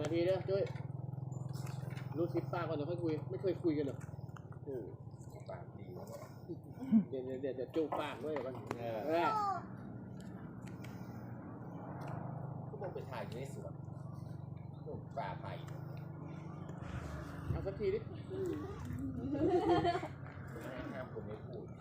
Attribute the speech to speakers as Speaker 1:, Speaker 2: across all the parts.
Speaker 1: ทีเด้อช่วยรู้สิป้าก่อนเดี๋ยวค่อยคุยไม่เคยคุยกันหรอกปากดีเดี๋ยวจูบปากด้วยกันก็มองไปถ่ายอยู่ในสวนป่าไผ่เอาสักทีดิห้ามผมไม่พูด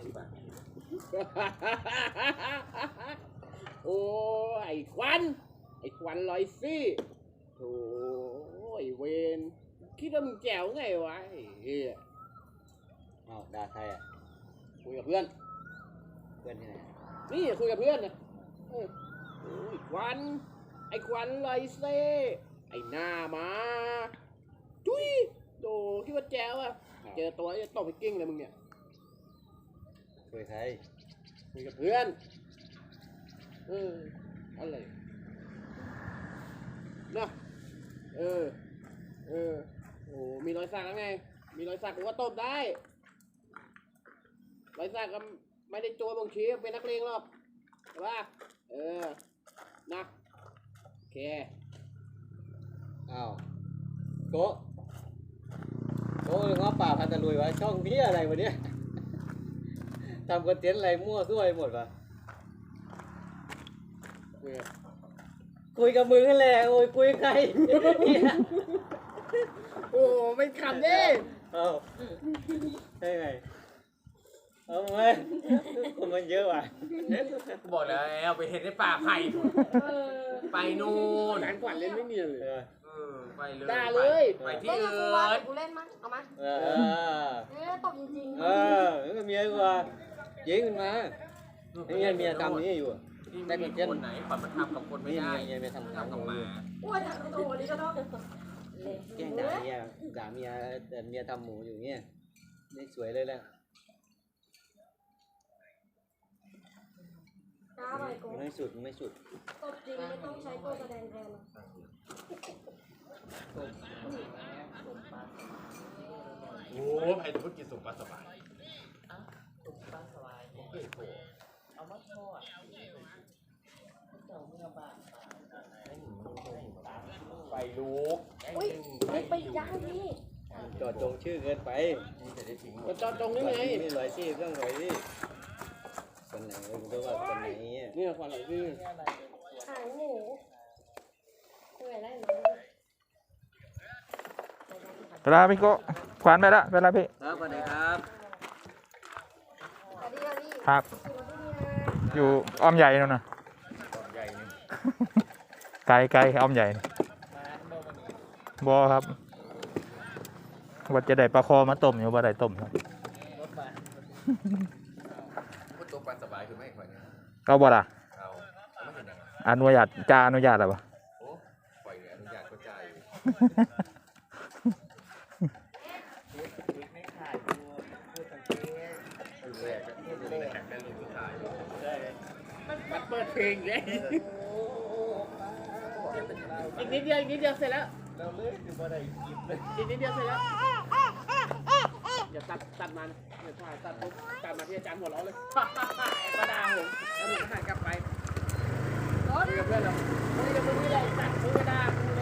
Speaker 1: โอ้ไอ้ควันลอยซี่โอ้ยเวนคิดว่ามึงแจ๋วไงวะเฮ้ยอ้าวด่าใครอ่ะคุยกับเพื่อนที่ไหนนี่คุยกับเพื่อนนะโอ้ยควันลอยซี่ไอ้หน้ามาจุ้ยโดคิดว่าแจ๋วอ่ะเจอตัวจะตบไปกิ้งเลยมึงเนี่ยคุยใครคุยกับเพื่อนอะไรนะโอ้มีรอยสักแล้วไงมีรอยสักผมว่าตบได้รอยสักก็ไม่ได้โจรบางทีเป็นนักเลงหรอกใช่ป่ะนะโอเคอ้าวโก้ง้อป่าพันตะลุยวะช่องพี่อะไรวะเนี่ยทำคอนเทนต์อะไรมั่วซั่วไปหมดวะคุยกับมึงนั่นแหละโอ้ยคุยใครโอ้ไม่ขำดิเอาได้ไงเอาไหมคนมันเยอะว่ะบอกแล้วไปเห็นในป่าไผ่ไปนู่นการขวัญเล่นไม่เนียนเลยไปเลยด่าเลยไปที่อื่น
Speaker 2: กูเล่นมั้งเอามาตบจริง
Speaker 1: ๆก็เมียกูว่ายิงขึ้นมาไอ้เมียทำนี้อยู่ได้คนไหนขวัญมันทำกับคนไม่ได้เมียทำกับหมา
Speaker 2: โอ้ยทำตัวนี้ก็ต้อง
Speaker 1: แกล้งด่าเมียแต่เมียทำหมูอยู่เงี้ยนี่สวยเลยแหละไม่สุด
Speaker 2: ตบจริงไม่ต้องใช้ตัวแสดงแทน
Speaker 1: โอ้ใครจะพูดกินสุกปลาสบายสุกปลาสบายเอามาทอดไปลูก
Speaker 2: อุ้ยไม่ไปย่างนี่
Speaker 1: จอดจงชื่อเกินไปจอดจงนี่ไงนี่ลอยซี่เครื่องลอยซี่คนไหนผมจะว่าคนไหนนี่คนไหนซี่
Speaker 2: หางหมูเหนื่อยได้ไหม
Speaker 3: เวลาพี่โก้ขวานไปละเวลาพี่
Speaker 1: ครับสวัสดีครับ
Speaker 3: ครับอยู่อ้อมใหญ่นู่นนะไกลอ้อมใหญ่บอครับว่าจะได้ปลาคอมาต้มอยู่ว่าได้ต้มครับ
Speaker 1: ตัวปลาสบายคือไม่ค่อย
Speaker 3: ก็บ่ล่ะอนุญาตจะอนุญาตหรือเปล่า
Speaker 1: โอ้ปล่อยอนุญาตก็ใจมันเปิดเพลงไงอีกนิดเดียวเสร็จแล้วอีกนิดเดียวเสร็จแล้วอย่าตัดมันอย่าถ่ายตัดมาที่อาจารย์หัวเราะเลยก็ด่าผมแล้วผมก็หันกลับไปคุยกับเพื่อนเราคุยกับมึงนี่แหละตัดมึงก็ด่า